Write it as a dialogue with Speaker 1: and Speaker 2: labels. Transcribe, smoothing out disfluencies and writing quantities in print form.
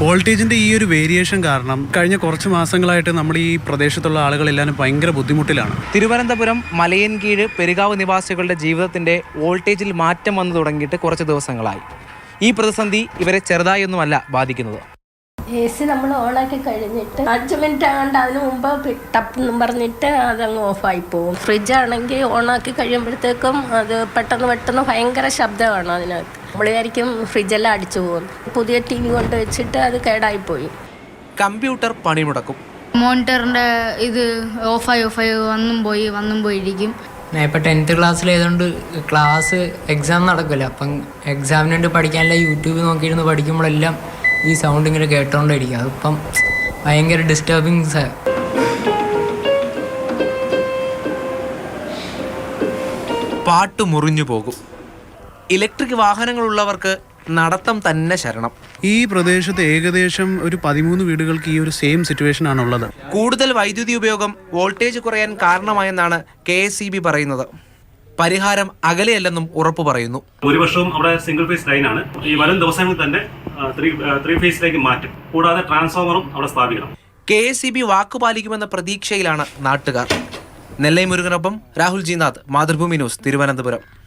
Speaker 1: വോൾട്ടേജിൻ്റെ ഈ ഒരു വേരിയേഷൻ കാരണം കഴിഞ്ഞ കുറച്ച് മാസങ്ങളായിട്ട് നമ്മുടെ ഈ പ്രദേശത്തുള്ള ആളുകളെല്ലാവരും ഭയങ്കര ബുദ്ധിമുട്ടിലാണ്.
Speaker 2: തിരുവനന്തപുരം മലയൻകീഴ് പെരുകാവ് നിവാസികളുടെ ജീവിതത്തിൻ്റെ വോൾട്ടേജിൽ മാറ്റം വന്നു തുടങ്ങിയിട്ട് കുറച്ച് ദിവസങ്ങളായി. ഈ പ്രതിസന്ധി ഇവരെ ചെറുതായൊന്നുമല്ല ബാധിക്കുന്നത്.
Speaker 3: AC നമ്മൾ ഓണാക്കി കഴിഞ്ഞിട്ട് 5 മിനിറ്റ് ആകണ്ട അതിന് മുമ്പ് ടപ്പെന്നും പറഞ്ഞിട്ട് അതങ്ങ് ഓഫായി പോകും. ഫ്രിഡ്ജാണെങ്കിൽ ഓണാക്കി കഴിയുമ്പോഴത്തേക്കും അത് പെട്ടെന്ന് ഭയങ്കര ശബ്ദമാണ് അതിനകത്ത്. നമ്മൾ വിചാരിക്കും ഫ്രിഡ്ജെല്ലാം അടിച്ചു പോകും. പുതിയ TV കൊണ്ട് വെച്ചിട്ട് അത് കേടായിപ്പോയി.
Speaker 2: കമ്പ്യൂട്ടർ പണിമുടക്കും.
Speaker 4: മോണിറ്ററിൻ്റെ ഇത് ഓഫായി വന്നും പോയി ഇരിക്കും.
Speaker 5: ഞാൻ ഇപ്പോൾ 10th ക്ലാസ്സിലായതുകൊണ്ട് ക്ലാസ് എക്സാം നടക്കില്ല. അപ്പം എക്സാമിന് വേണ്ടി പഠിക്കാനുള്ള യൂട്യൂബ് നോക്കിയിരുന്ന് പഠിക്കുമ്പോഴെല്ലാം ഈ സൗണ്ട് ഇങ്ങനെ കേട്ടോണ്ടിരിക്കും. അതിപ്പം ഭയങ്കര ഡിസ്റ്റർബിങ്സ്.
Speaker 2: പാട്ട് മുറിഞ്ഞു പോകും. ഇലക്ട്രിക് വാഹനങ്ങളുള്ളവർക്ക് നടത്തം തന്നെ ശരണം.
Speaker 1: ഈ പ്രദേശത്ത് ഏകദേശം ഒരു 13 വീടുകൾക്ക് ഈ ഒരു സെയിം സിറ്റുവേഷൻ ആണുള്ളത്.
Speaker 2: കൂടുതൽ വൈദ്യുതി ഉപയോഗം വോൾട്ടേജ് കുറയാൻ കാരണമായെന്നാണ് KSEB പറയുന്നത്. പരിഹാരം അകലെയല്ലെന്നും ഉറപ്പു പറയുന്നു.
Speaker 6: ഭൂരിപക്ഷവും അവിടെ സിംഗിൾ ഫേസ് ലൈനാണ്. ഈ വരും ദിവസങ്ങളിൽ തന്നെ ത്രീ ഫേസിലേക്ക് മാറ്റും. കൂടാതെ ട്രാൻസ്ഫോമറും അവിടെ സ്ഥാപിക്കണം.
Speaker 2: KSEB വാക്കുപാലിക്കുമെന്ന പ്രതീക്ഷയിലാണ് നാട്ടുകാർ. നെല്ലൈ മുരുകനൊപ്പം രാഹുൽ ജിനാഥ്, മാതൃഭൂമി ന്യൂസ്, തിരുവനന്തപുരം.